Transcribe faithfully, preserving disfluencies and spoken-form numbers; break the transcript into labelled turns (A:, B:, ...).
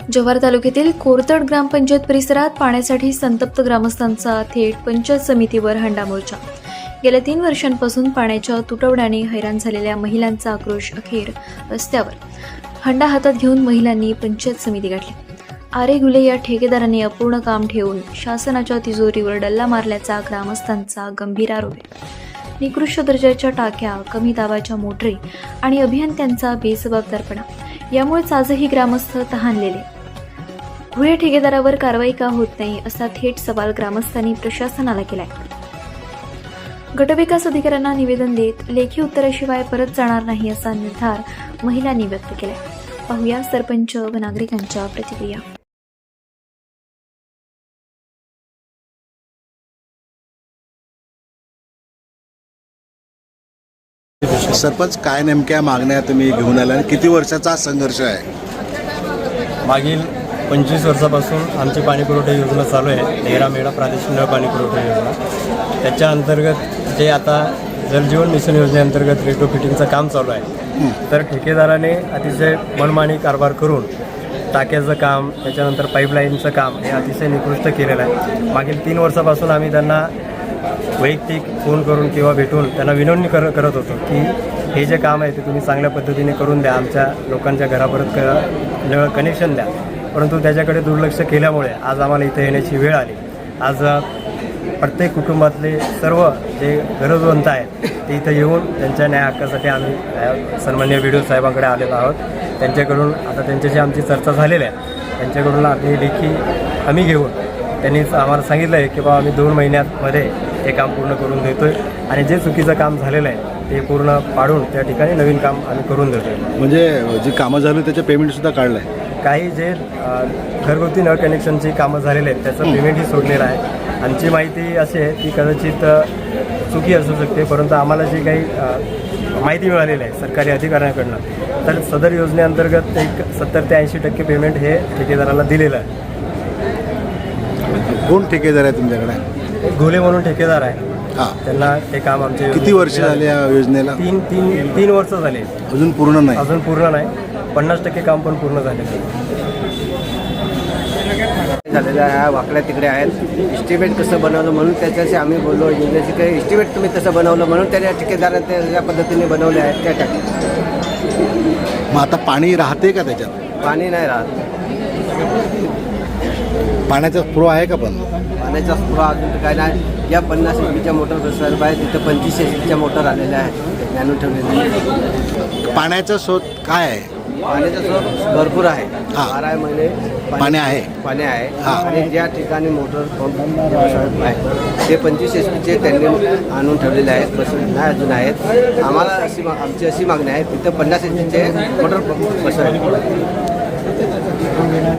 A: जव्हार तालुक्यातील कोरतड ग्रामपंचायत परिसरात पाण्यासाठी संतप्त ग्रामस्थांचा थेट पंचायत समितीवर हंडा मोर्चा। गेल्या तीन वर्षांपासून पाण्याच्या तुटवड्याने हैराण झालेल्या महिलांचा आक्रोश अखेर रस्त्यावर। हंडा हातात घेऊन महिलांनी पंचायत समिती गाठली। आरे गुले या ठेकेदाराने अपूर्ण काम ठेवून शासनाच्या तिजोरीवर डल्ला मारल्याचा ग्रामस्थांचा गंभीर आरोप आहे। निकृष्ट दर्जाच्या टाक्या, कमी दाबाच्या मोटरी आणि अभियंत्यांचा बेजबाबदारपणा यामुळेच आजही ग्रामस्थ तहानलेले। घुळे ठेकेदारावर कारवाई का होत नाही असा थेट सवाल ग्रामस्थांनी प्रशासनाला केलाय। गटविकास अधिकाऱ्यांना निवेदन देत लेखी उत्तराशिवाय परत जाणार नाही असा निर्धार महिलांनी व्यक्त केलाय। पाहूया सरपंच व नागरिकांच्या प्रतिक्रिया।
B: सरपंच, काय नेमक्या मागण्या तुम्ही घेऊन आल्या आणि किती वर्षाचा संघर्ष आहे?
C: मागील पंचवीस वर्षापासून आमची पाणीपुरवठा योजना चालू आहे, तेरा मेळा प्रादेशिक नळ पाणीपुरवठा योजना। त्याच्या अंतर्गत जे आता जलजीवन मिशन योजनेअंतर्गत रेट्रोफिटिंगचं काम चालू आहे, तर ठेकेदाराने अतिशय मनमानी कारभार करून टाक्याचं काम, त्याच्यानंतर पाईपलाईनचं काम हे अतिशय निकृष्ट केलेलं आहे। मागील तीन वर्षापासून आम्ही त्यांना वैयक्तिक फोन करून किंवा भेटून त्यांना विनवणी कर करत होतो की हे जे काम आहे ते तुम्ही चांगल्या पद्धतीने करून द्या, आमच्या लोकांच्या घरापर्यंत क नळ कनेक्शन द्या। परंतु त्याच्याकडे दुर्लक्ष केल्यामुळे आज आम्हाला इथे येण्याची वेळ आली। आज प्रत्येक कुटुंबातले सर्व जे गरजवंत आहेत ते इथं येऊन त्यांच्या न्याय हक्कासाठी आम्ही सन्माननीय व्हिडिओ साहेबांकडे आलेलो आहोत। त्यांच्याकडून आता त्यांच्याशी आमची चर्चा झालेली आहे। त्यांच्याकडून आम्ही लेखी आम्ही घेऊन त्यांनीच आम्हाला सांगितलं आहे की बाबा आम्ही दोन महिन्यामध्ये हे काम पूर्ण करून देतो आहे आणि जे चुकीचं काम झालेलं आहे ते पूर्ण पाडून त्या ठिकाणी नवीन काम आम्ही करून देतो आहे।
B: म्हणजे जी कामं झाली त्याचं पेमेंटसुद्धा काढलं आहे?
C: काही जे घरगुती नळ कनेक्शनची कामं झालेली आहेत त्याचं पेमेंटही सोडलेलं आहे। आमची माहिती अशी आहे की कदाचित चुकी असू शकते, परंतु आम्हाला जी काही माहिती मिळालेली आहे सरकारी अधिकाऱ्यांकडनं, तर सदर योजनेअंतर्गत एक सत्तर ते ऐंशी टक्के पेमेंट हे ठेकेदाराला दिलेलं आहे।
B: कोण ठेकेदार आहे तुमच्याकडे?
C: एक घोले म्हणून ठेकेदार आहे।
B: हां,
C: त्यांना ते काम आमचे
B: किती वर्ष झाले या योजनेला?
C: तीन तीन तीन वर्ष झाले।
B: अजून पूर्ण नाही?
C: अजून पूर्ण नाही, पन्नास टक्के काम पण पूर्ण झाले
D: झालेल्या ह्या वाकड्या तिकडे आहेत। इस्टिमेट कसं बनवलं म्हणून त्याच्याशी आम्ही बोललो, इंग्रजी काही इस्टिमेट तुम्ही तसं बनवलं म्हणून त्या ठेकेदाराने त्या पद्धतीने बनवले आहेत त्या टाकी।
B: मग आता पाणी राहते का त्याच्यात?
D: पाणी नाही राहत।
B: पाण्याचा फ्लो आहे का? पण
D: पाण्याचा पुरा अजून काय नाही। या पन्नास एच पीच्या मोटर बसवायला पाहिजे, तिथं पंचवीस एच पीच्या मोटर आलेल्या आहेत ज्ञानून ठेवलेल्या।
B: पाण्याचा स्रोत काय आहे?
D: पाण्याचा स्रोत भरपूर आहे, बारा महिने
B: पाणी आहे
D: पाणी आहे। आणि ज्या ठिकाणी मोटर पंप आहे ते पंचवीस एच पीचे त्यांनी आणून ठेवलेले आहेत, बसवले नाही अजून आहेत। आम्हाला अशी आमची अशी मागणी आहे तिथं पन्नास एच पीचे मोटर पंप बसवायला।